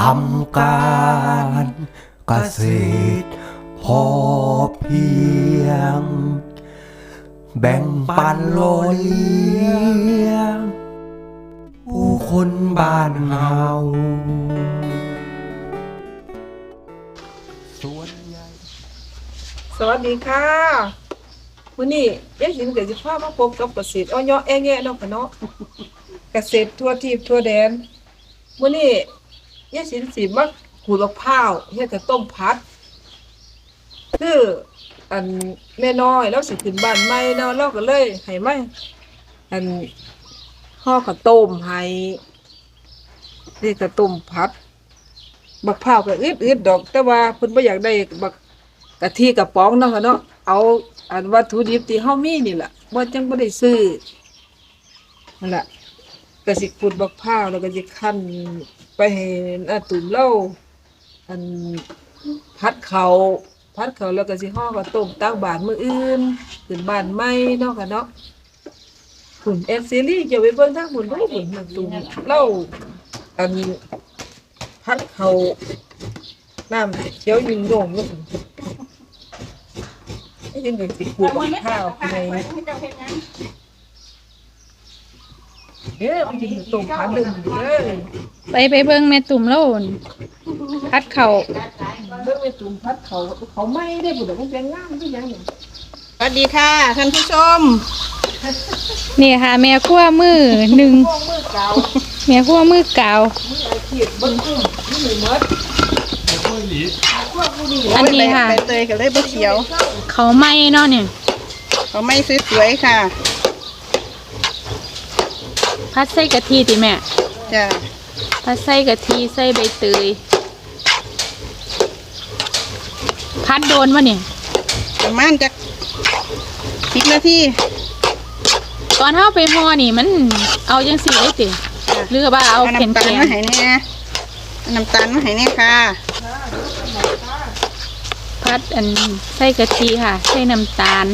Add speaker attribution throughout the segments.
Speaker 1: ำการเกษตรพอเพียงแบ่งปันโลเลี้ยงผู้คนบ้านเฮา
Speaker 2: สวัสดีค่ะวันนี้ยายสินกับสิพามาพบกับเกษตรอ้อยแอ้แงะเนาะค่ะเนาะเกษตรทั่วทิพย์ทั่วแดนวันนี้ยายสินสิมาขูดมะพร้าวเฮ็ดกับต้มผัดคืออันแม่น้อยแล้วสิขึ้นบ้านใหม่เนาะเราก็เลยให้มาอันห่อข้าวต้มให้นี่ข้าวต้มผัดบักพร้าวก็อึดๆดอกแต่ว่าเพิ่นบ่อยากได้บักกะทิกระป๋องเนาะค่ะเนาะเอาอันวัตถุดิบที่เฮามีนี่ล่ะบ่จังบ่ได้ซื้อนั่นล่ะก็สิขุดบักพร้าวแล้วก็สิคั่นไปให้อาตุ่มเล่าอันผัดข้าวแล้วก็สิห่อข้าวต้มตักบาตรมื้ออื่นขึ้นบ้านใหม่เนาะค่ะเนาะคุณแอนซีรีส์จะไปเบิ่งทางบุญบ่บุญอาตุ่มเล่าอันผัดข้าวน้ำเขียวยิงโด่งลูกไอ้ยังไงสิขูดกับข้าวในมันจะตุ่มผัดดึงเลย
Speaker 3: ไปเบิ่งแม่ตุ่มแล้วพัดเขา
Speaker 2: เบิ่งไปตุ่มผัดเขาไม่ได้บุญแต่มันเป็นงามที่ยัง
Speaker 4: สวัสดีค่ะท่านผู้ชม
Speaker 3: นี่ค่ะ แม่ขั้วมือหนึ่ง
Speaker 2: พวกมือเก่า
Speaker 3: แม่ขั้วมือเก่า
Speaker 2: มืออาชีพเบิ่งกุ้งมือหนึ่งมดพวกผู้นี้
Speaker 3: อันนี้ค่ะ
Speaker 4: ใบเตยกับเลยบะเขียว
Speaker 3: เขาไหม้เนาะเนี่ย
Speaker 4: เขาไม่สวยๆค่ะ
Speaker 3: พัดใส่กะทิติแม่
Speaker 4: จ้ะ
Speaker 3: พัดใส่กะทิใส่ใบเตยพัดโดนวะเนี่ย
Speaker 4: ประมาณจัก10 นาที
Speaker 3: ตอนเฮาไปห่อนี่มันเอาจังสีได้ติหรือว่าเอาแข็ง
Speaker 4: น้ำตาลมาให้แน่เอาน้ำตาลมาให้แน่ค่ะ
Speaker 3: พัดอันใส่กะทิค่ะใส่น้ำตาล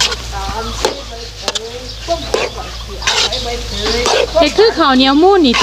Speaker 3: เฮ็ดคือข้าวเหนียวมูนนี่ติ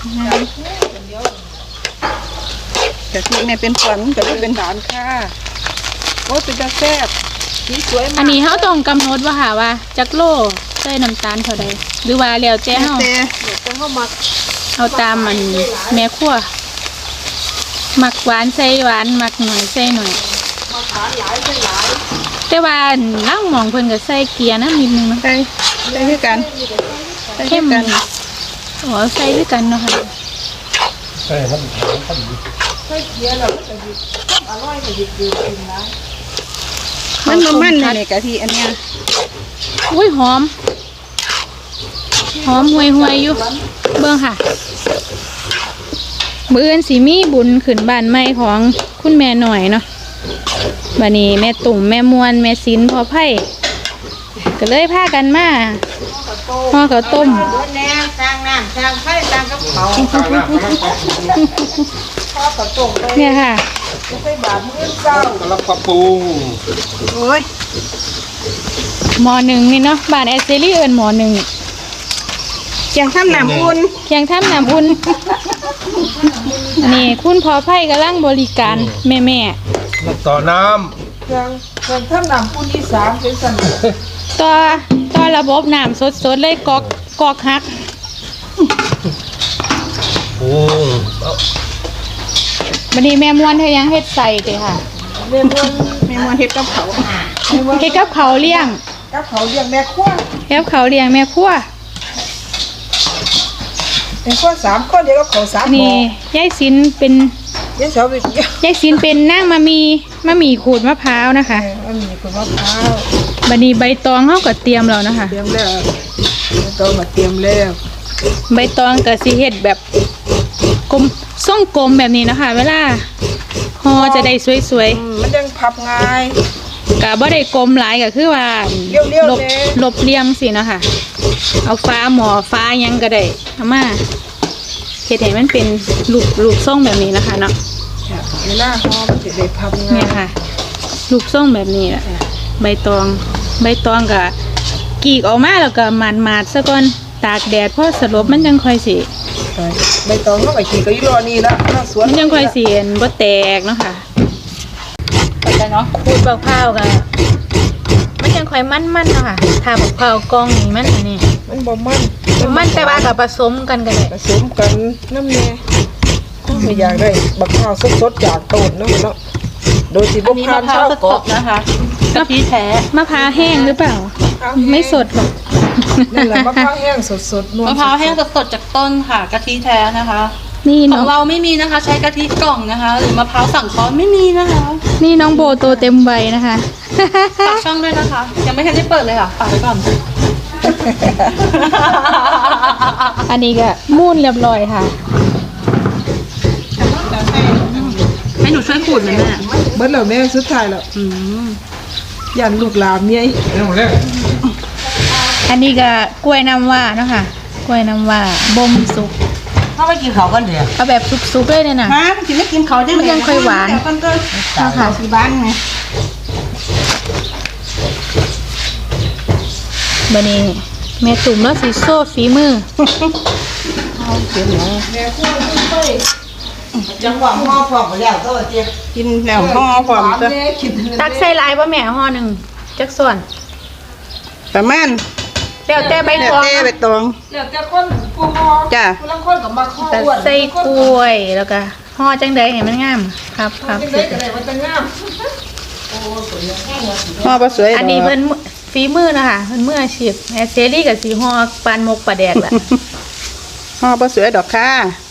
Speaker 4: กะทิแม่เป็นขวัญก็เลยเป็นฐานค่ะโอ้เป็นตาแซ่บ
Speaker 2: สีสวย
Speaker 3: อั
Speaker 2: มาน ก
Speaker 3: นี้เฮาต้องกำหนดว่าค่ะว่าจักโลใส่น้ำตาลเท่าใดหรือว่าแล้วแต่เฮา
Speaker 4: แต่
Speaker 2: เดี๋ยวจะเข้ามา
Speaker 3: เอาตามมันแม่ครัวมักหวานใส่หวานมักหน่อยใส่หน่อย
Speaker 2: มาทานหลายเป็นหลาย
Speaker 3: แต่ว่าล่างหมองเพิ่นก็ใส่เกลือน้ำนิดนึงเนาะ
Speaker 4: ใส่คือกันใส่
Speaker 3: เข้
Speaker 4: คือ
Speaker 3: ม
Speaker 4: กัน
Speaker 3: อ๋อใส่ด้วยกันเนาะค่ะ
Speaker 2: ใส่เกี๊ยวเราก็จะหยิบอร่อยก็หยิบกินนะ
Speaker 4: มันมันเลยกะทิอันเนี้ย
Speaker 3: อุ้ยหอมห่วยๆอยู่เบิ่งค่ะมื้ออื่นสิมีบุญขึ้นบ้านใหม่ของคุณแม่หน่อยเนาะบัดนี้แม่ตุ่มแม่มวนแม่ศิลพ่อไผ่ก็เลยพากันมาห่อข้าวต้ม
Speaker 4: แน่สร้างน้ำสร้างไฟสร้างกับเขา
Speaker 2: ข้าวกระต้มไป
Speaker 3: เนี่ยค่ะ
Speaker 2: ใส่บาตรมื้อเช้าก
Speaker 1: ำลังปรับปรุง
Speaker 4: โอ้ย
Speaker 3: หมอหนึ่งนี่เนาะบ้านแอสเซรี่เอิญหมอหนึ่ง
Speaker 4: เกียงทำน้ำอุ่น
Speaker 3: เคียงท่ามน้ำอุ่นอันนี้คุณพอไผ่กำลังบริการแม่
Speaker 1: ต่อน้
Speaker 2: เครื่องทำน้ำปูนอีสานเป็นสัน
Speaker 3: ๆต่อระบบน้ำสดๆเลยกอกฮัก
Speaker 1: ำโอ้
Speaker 3: บัดนี้แม่มวนเธอยังเฮ็ดใส่เด้ค่ะ
Speaker 2: เรียนวัน
Speaker 4: มีมวนเห็ดกับเขา
Speaker 3: เฮ็ดกับเขาวเลี้ยง
Speaker 2: กับเขาเรียกแม่ครัว
Speaker 3: เฮ็ดกับเขาวเลี้ยงแม่ครัว
Speaker 2: แม่ครัว3คนเดียวกับเขา3หม้
Speaker 3: นี่
Speaker 2: อย
Speaker 3: ายสินเป็น
Speaker 2: เดี๋ยวเสาไปเกี่ยวย
Speaker 3: ายสินเป็นนางมะมีขูดมะพร้าวนะคะ
Speaker 2: มันมีคนมะพร้าว
Speaker 3: บัดนี้ใบตองเฮาก็เตรียมแล้วนะคะ
Speaker 2: เตรียมแล้วต้องมาเตรียมแล้ว
Speaker 3: ใบตองก็สิเฮ็ดแบบกลมทรงกลมแบบนี้นะคะ เวลาห่อจะได้สวยๆ
Speaker 2: มันยังพับง่าย
Speaker 3: กะบ่ได้กลมหลายก็คือว่า
Speaker 2: เรียวๆ
Speaker 3: ลบ
Speaker 2: เลย
Speaker 3: ลบเลี่ยมสิเนาะค่ะ เอาฟ้าหมอฟ้าหยังก็ได้เอามาเฮ็ดให้มันเป็นรูปทรงแบบนี้นะคะเนาะ
Speaker 2: เวลาห่อมันจะได้พับง่า
Speaker 3: เนี่ย
Speaker 2: ย
Speaker 3: ค่ะรูปทรงแบบนี้แหละใบตองก็กรีกออกมาแล้วก็หมาดๆซะก่อนตากแดดพอสลบมันจังค่อยสิ
Speaker 2: ใบตองเขาไปขี่ก็อยู่รอนี่แล้วหน้าสวน
Speaker 3: มันยังค่อยเสียนบ่แตกเนาะค่ะ
Speaker 4: ไปกันเนาะ
Speaker 3: ขูดบักพร้าวกันมันยังค่อยมันๆเนาะค่ะถ้าบักพร้าวกองนี่มันอันนี้
Speaker 2: มันบ่มัน
Speaker 3: มันแต่ว่ากับผสมกันก็ได้
Speaker 2: ผสมกันน้ำแน่ถ้าไม่อยากได้บักข้าวสดๆจากต้นเนาะเนาะโดยที่บ่ผ่านชาวเกาะ
Speaker 4: นะคะกะทิแท้
Speaker 3: มะพร้าวแห้งหรือเปล่า ไม่สดหรอก
Speaker 2: นั่นแหละมะพร้าวแห้งสดๆนวล
Speaker 4: มะพร้าวแห้งสดๆจากต้นค่ะกะทิแท้นะคะ
Speaker 3: นี่
Speaker 4: ขอ
Speaker 3: น้อง ง
Speaker 4: เราไม่มีนะคะ ใช้กะทิกล่องนะคะ หรือมะพร้าวสั่งเคอไม่มีนะคะ
Speaker 3: นี่น้องโบโตเต็มวัยนะคะ
Speaker 4: ฝากช่องด้วยนะคะ ยังไม่ทันได้เปิดเลยค่ะฝากไว้ก่อน
Speaker 3: อันนี้ก็มูนเรียบร้อยค่ะ
Speaker 4: ให้หนูช่วยขูดเลยแม่
Speaker 2: เบิดแล้วแม่สุดท้ายแล้วยันลูกหลานเนี่ย
Speaker 3: อันนี้ก็กล้วยน้ำว้าเนาะค่ะกล้วยน้ำว้าบ่มสุก
Speaker 5: เขาไปกินเขากันเดี๋ยว
Speaker 3: เอาแบบสุกๆเลยเนี่ยนะ
Speaker 4: ฮะกินไม่กินเขาได้
Speaker 3: มันยังค่อยหวาน
Speaker 4: แต่กันเกิน
Speaker 3: เนาะค่ะ
Speaker 4: ที่บ้านไง
Speaker 3: บัดนี้แม่ตุ่มแล้วสิโซ่ฝีมือ
Speaker 5: จังหวะห่อพร้อมไปแล้วก็เจี๊ยบ
Speaker 4: กินแล้วห่อพร้อมจะ
Speaker 3: ตักใส่ลายบ่แม่ห่อหนึ่งจักส่วน
Speaker 4: ประมาณ
Speaker 3: แล้วแต่ใบ
Speaker 4: แล้ว
Speaker 3: ตอง
Speaker 4: แต่ใบตอง
Speaker 2: แล้วแต่คนผู้ฮอ
Speaker 4: จ้ะ
Speaker 2: ผู้ลังคนก็มักฮอ
Speaker 3: ตัก
Speaker 2: อ้วน
Speaker 3: ใส่กล้วยแล้วก็ห่อจังใดให้มันงามครับครับ
Speaker 2: จังได๋ก็ได้มันจะงาม
Speaker 4: ห่อปลาสวย
Speaker 3: อันนี้เพิ่นฝีมือนะคะเพิ่นมืออาชีพแม่เซรี่กับสีห่อปานมกปลาแดกแหละ
Speaker 4: ห่อปลาสวยดอกค่ะ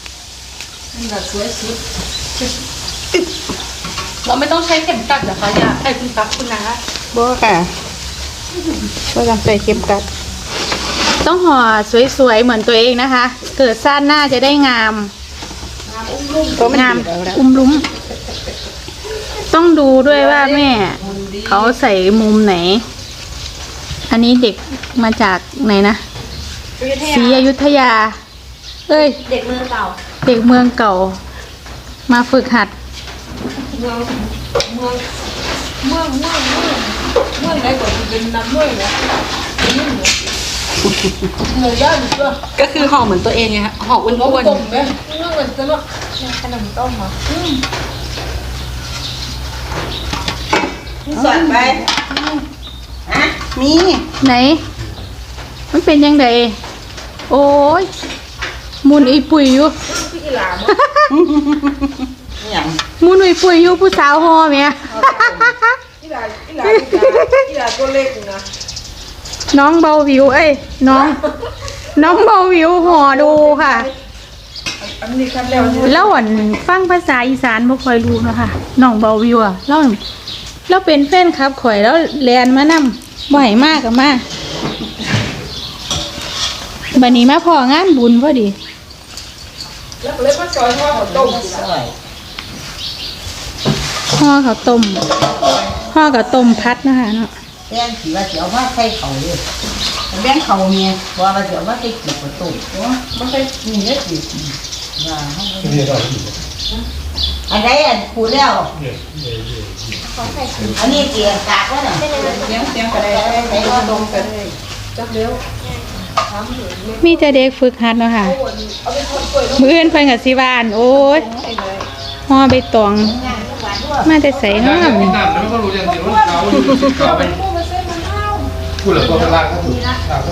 Speaker 4: เราไม่ต้องใช้เข็มกัดเหรอคะอย่าให้คุณตักคุณนะบ่ค่ะก็ต้องใส่เข็มกัด
Speaker 3: ต้องห่อสวยๆเหมือนตัวเองนะคะ เกิดซ่านหน้าจะได้งาม
Speaker 4: ตัวมัน
Speaker 3: งาม
Speaker 4: ดีแล้ว
Speaker 3: อุ้มลุ้มต้องดูด้วยว่าแม่ เขาใส่มุมไหน อันนี้เด็กมาจากไหนนะศรีอยุธยา เอ้ย เด็กเมืองเก่า เด็กเมืองเก่า มาฝึกหัด
Speaker 2: เมืองไหนก็สิเป็นน้ำเมืองนะยิ่งเหนือย่านตัว
Speaker 4: ก็คือห่อเหมือนตัวเองไงฮะห่ออ้วน
Speaker 2: ต้มแม่เมืองมันจะเนาะขนมต้มอ่ะ
Speaker 5: สอนไป
Speaker 4: ๆมี
Speaker 3: ไหน มันเป็นยังไงโอ้ยมุนอีปุ๋ยอยู่
Speaker 2: พี่อีหลาบ่
Speaker 5: อย่าง
Speaker 3: มุนอีปุ๋ยอยู่ผู้สาวห่อแม่
Speaker 2: อีหลาตัวเล็กนะ
Speaker 3: น้องเบาวิวเอ้ยน้องเบาวิวห่อดูค่ะ
Speaker 2: อันนี้ครับแล้ว
Speaker 3: แล้วอ่อนฟังภาษาอีสานบ่ค่อยรู้เนาะค่ะน้องเบาวิวอ่ะเราเป็นแฟนคลับข่อยแล้วแลนมานำบ่ให้มากกับมาบัดนี้มาพองานบุญพอดี
Speaker 2: แล้วก็เลยมาซอยห่อข้าวต้ม
Speaker 5: สวย
Speaker 3: ห่อข้าวต้มห่อกับต้มพัดนะคะเนาะ
Speaker 5: แป้งสีว่าเสียวมาใส่เขาเลยแป้งเขาเมียว่าเสียวมาใส่กีบประตูว่าใส่นี่เนี่ยกีบว่าอันไหนอันคูแล้วอันนี้เกียร์กากแล้วน่ะ
Speaker 4: เสียงกระไดใส่ห่อดมกันเลย
Speaker 2: จักเร็ว
Speaker 3: มีแต่เด็กฝึกหัดเนาะค่ะ
Speaker 2: เอาไปทอดกล้วย
Speaker 3: มื้ออื่นเพิ่นก็สิว่าอั่นโอ้ยห่อใบตองมาแต่ใส่เนาะ
Speaker 6: น้ำแล้วก็รู้อย่างเดียวว่าเขาอยู่ที่เขาเป็นพูดเหลือตัวเป็นลากก็ถูก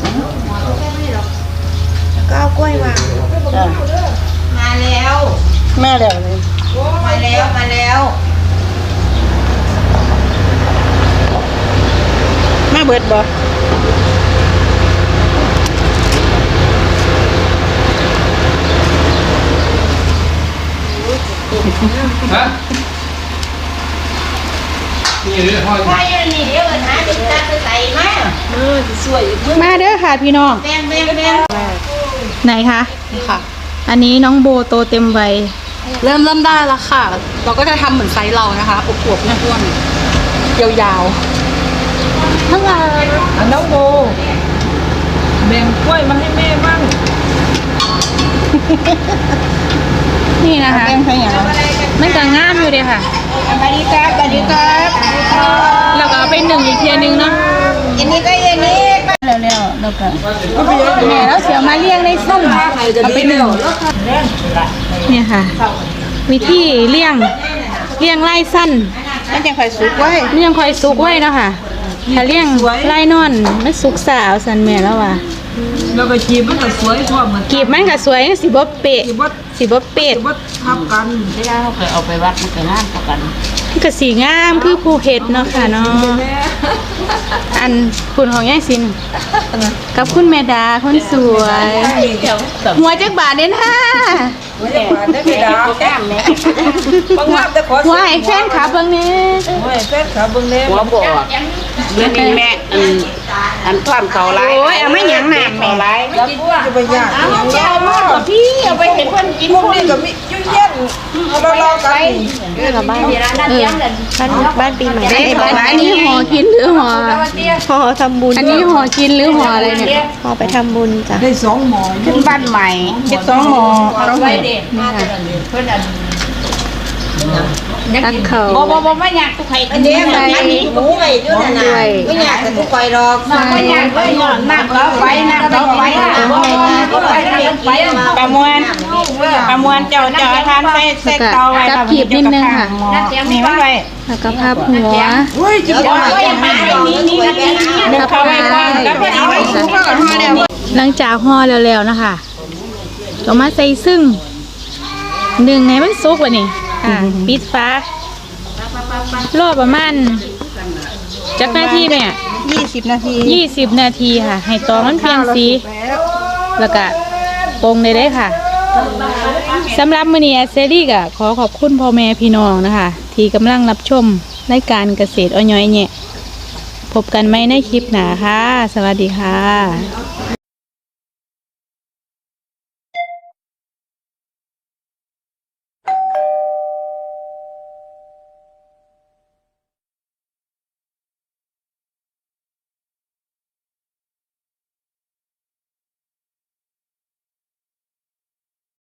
Speaker 3: ก็เอากล้วยวาง
Speaker 5: มาแล้ว
Speaker 4: แม่แล้วเลย
Speaker 5: มาแล้ว
Speaker 4: มาเบิดบ่
Speaker 6: ฮะนี่เรื่องพ่อ
Speaker 5: ไปนี่เดี๋ยวหาจุดตัดไปใส่มา
Speaker 3: มาเด้อค่ะพี่น้อง
Speaker 5: แป้ง
Speaker 3: ไหนคะ
Speaker 4: ค่ะ
Speaker 3: อันนี้น้องโบโตเต็มวัย
Speaker 4: เริ่มได้แล้วค่ะ เราก็จะทำเหมือนไซส์เรานะคะอวบๆอ้วนๆยาวๆทั้งวัน
Speaker 2: อันน้องโบแบ่งกล้วยมาให้แม่บ้าง
Speaker 3: นี่นะคะ
Speaker 4: แป้งใส่อย่าง
Speaker 3: มันก็งามอยู่เด้ค่ะ
Speaker 5: สวัสดีครับสวัสดีครับ
Speaker 3: แล้วก็เอาไปนึ่งอีกเทียนึงเนาะ
Speaker 5: อันนี้ก็อันนี้
Speaker 3: แล้วแล้วก็แม่แล้วเสียมาเลี้ยงในซุ่มเอาไปหนึ่งเนี่ยค่ะ วิธีเลี้ยงไล่สั้น
Speaker 5: มันจังค่อยสุกไว้
Speaker 3: มันยังคอยสุกไว้เนาะค่ะถ้าเลี้ยงไล่นอนมันสุกสาวสันแม่แล้วว่ะ
Speaker 2: แล้วก็จีบมันก็สวยพร้อมมัน
Speaker 3: กีบมันก็สวยสิบ่เปะสิบ่เป็ด
Speaker 2: บ่ทับกัน
Speaker 5: เวลาเขาเคยเอาไปวัดมันก็งามกว่ากัน
Speaker 3: มันก็สีงามคือผู้เฮ็ดเนาะค่ะเนาะอันคุณของยายสินกับคุณแม่ดาคนสวยหัวจักบาทเด้นะ
Speaker 2: ว่าจะมาได้ไม่ได้แก้มแม่บางงามแต่ขอ
Speaker 3: หัวให้แฟนคลับเบิ่งแหน่
Speaker 2: โอ้ยแฟนขาเบิ่งแน่
Speaker 5: หัวบ่เมื่อนี้แม่อันความเขาหลายโอ้ยเอาไม่หยังน้ำแม่หลาย
Speaker 2: แล้วจะไปยาก
Speaker 5: เอามากับพี่เอาไปให้เพิ่นกิน
Speaker 2: มุมนี้ก็มียุ่งเย็นรอๆกัน
Speaker 3: บ้านปีใหม่ได้อันนี้ห่อกินหรือห่อทำบุญอันนี้ห่อกินหรือห่ออะไรเนี่ยห่อไปทำบุญจ้ะ
Speaker 2: ได้2หมอ
Speaker 5: ขึ้นบ้านใหม่เฮ็ด2หม้อเอาไว้เด้เพิ่นอัน
Speaker 3: ตักเขา
Speaker 5: บ่ไม่อยากทุกใครกิน
Speaker 3: ใส่
Speaker 5: หมูไว้ด้วยนะไม่อยากแต่ทุกใครดอกไม่อยากเลยย้อนน้ำก็ไว้น้ำก็ไว้ประมวลเจ้าทานใส่เตาไว้
Speaker 3: จับขีบนิดนึงค่ะ
Speaker 5: นี่มันไว้
Speaker 3: แล้วก็พับหัว
Speaker 2: เฮ้ยจิ๋ว
Speaker 5: นี่เข้าไว้ก่อนแล้วพอดีไว้สุกก็ห่อแล้ว
Speaker 3: หลังจากห่อแล้วๆนะคะก็มาใส่ซึ่งหนึ่งให้มันสุกว่ะนี่ปิดฟ้ารอประมาณจักนาทีแม่
Speaker 5: 20 นาที
Speaker 3: 20 นาทีค่ะ ให้ตองมันเปลี่ยนสี แล้วก็ปรุงได้เลยค่ะสำหรับมื้อนี้เซรี่ก็ขอขอบคุณพ่อแม่พี่น้องนะคะ ที่กำลังรับชมรายการเกษตรอ้อยแยะพบกันไหมในคลิปหน้าค่ะ สวัสดีค่ะ